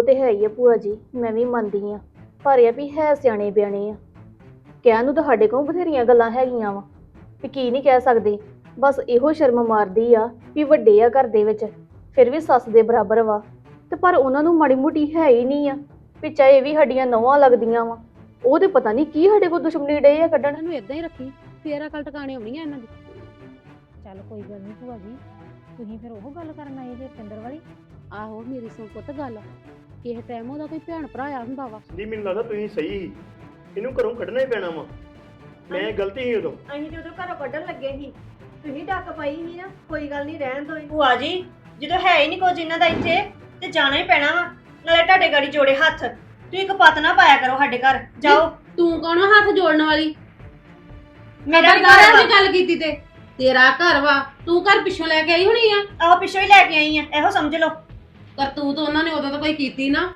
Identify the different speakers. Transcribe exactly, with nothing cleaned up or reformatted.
Speaker 1: ਤੇ ਹੈ ਹੀ ਆ ਭੂਆ ਜੀ, ਮੈਂ ਵੀ ਮੰਨਦੀ ਆ। ਪਰ ਇਹ ਵੀ ਹੈ ਸਿਆਣੇ ਬਿਆਣੇ ਆ। ਕਹਿਣ ਨੂੰ ਤਾਂ ਸਾਡੇ ਕੋਲ ਬਥੇਰੀਆਂ ਗੱਲਾਂ ਹੈਗੀਆਂ ਵਾ ਵੀ ਕੀ ਨਹੀਂ ਕਹਿ ਸਕਦੇ। ਬਸ ਇਹੋ ਸ਼ਰਮ ਮਾਰਦੀ ਆ ਵੀ ਵੱਡੇ ਆ ਘਰ ਦੇ ਵਿੱਚ, ਫਿਰ ਵੀ ਸੱਸ ਦੇ ਬਰਾਬਰ ਵਾ। ਤੇ ਪਰ ਉਹਨਾਂ ਨੂੰ ਮਾੜੀ ਮੋਟੀ ਹੈ ਹੀ ਨਹੀਂ ਆ ਵੀ ਚਾਹੇ ਇਹ ਵੀ ਸਾਡੀਆਂ ਨੌਵਾਂ ਲੱਗਦੀਆਂ ਵਾ। ਉਹ ਤੇ ਪਤਾ ਨਹੀਂ ਕੀ ਸਾਡੇ ਕੋਲ ਦੁਸ਼ਮਣੀ ਡੇ ਆ ਕੱਢਣ।
Speaker 2: ਨੂੰ ਇਦਾਂ ਹੀ ਰੱਖੀ, ਫੇਰ ਅਕਲ ਟਿਕਾਣੇ ਆਉਣੀ ਆ ਇਹਨਾਂ ਦੀ।
Speaker 3: ਚੱਲ ਕੋਈ ਗੱਲ ਨਹੀਂ ਭੂਆ ਜੀ, ਤੁਸੀਂ ਫਿਰ ਉਹ ਗੱਲ ਕਰਨ ਆਏ ਜੇ ਪਿੰਦਰ ਵਾਲੀ।
Speaker 2: ਆਹੋ ਮੇਰੀ ਸੁਣ ਪੁੱਤ ਗੱਲ, ਕਿਸੇ ਟਾਈਮ ਉਹਦਾ ਕੋਈ ਭੈਣ ਭਰਾ ਆ ਹੁੰਦਾ ਵਾ।
Speaker 4: ਦੀ ਮੈਨੂੰ ਲੱਗਦਾ ਤੁਸੀਂ ਸਹੀ ਸੀ, ਇਹਨੂੰ ਘਰੋਂ ਕੱਢਣਾ ਹੀ ਪੈਣਾ ਵਾ। ਮੈਂ ਗਲਤੀ ਸੀ ਉਦੋਂ।
Speaker 5: ਅਸੀਂ ਜਦੋਂ ਘਰੋਂ ਕੱਢਣ ਲੱਗੇ ਸੀ ਤੁਸੀਂ ਡੱਕ ਪਾਈ ਸੀ ਨਾ, ਕੋਈ ਗੱਲ ਨਹੀਂ ਰਹਿਣ ਦੋ।
Speaker 6: ਭੂਆ ਜੀ ਜਦੋਂ ਹੈ ਹੀ ਨਹੀਂ ਕੁਝ ਇਹਨਾਂ ਦਾ ਇੱਥੇ ਤੇ ਜਾਣਾ ਹੀ ਪੈਣਾ ਵਾ। ਨਾਲੇ ਤੁਹਾਡੇ ਗਾੜੀ ਜੋੜੇ ਹੱਥ, ਤੁਸੀਂ ਇੱਕ ਪਤ ਨਾ ਪਾਇਆ ਕਰੋ ਸਾਡੇ ਘਰ। ਜਾਓ।
Speaker 2: ਤੂੰ ਕੌਣ ਵਾ ਹੱਥ ਜੋੜਨ ਵਾਲੀ?
Speaker 6: ਮੇਰਾ ਵੀ
Speaker 2: ਘਰ
Speaker 6: ਘਰ
Speaker 2: ਦੀ ਗੱਲ ਕੀਤੀ ਤੇ ਤੇਰਾ ਘਰ ਵਾ, ਤੂੰ ਘਰ ਪਿੱਛੋਂ ਲੈ ਕੇ ਆਈ ਹੋਣੀ ਆ।
Speaker 6: ਆਹ ਪਿੱਛੋਂ ਹੀ ਲੈ ਕੇ ਆਈ ਆ, ਇਹੋ ਸਮਝ ਲਓ।
Speaker 2: ਕਰਤੂਤ ਉਹਨਾਂ ਨੇ ਉਦੋਂ ਤਾਂ ਕੋਈ ਕੀਤੀ ਨਾ।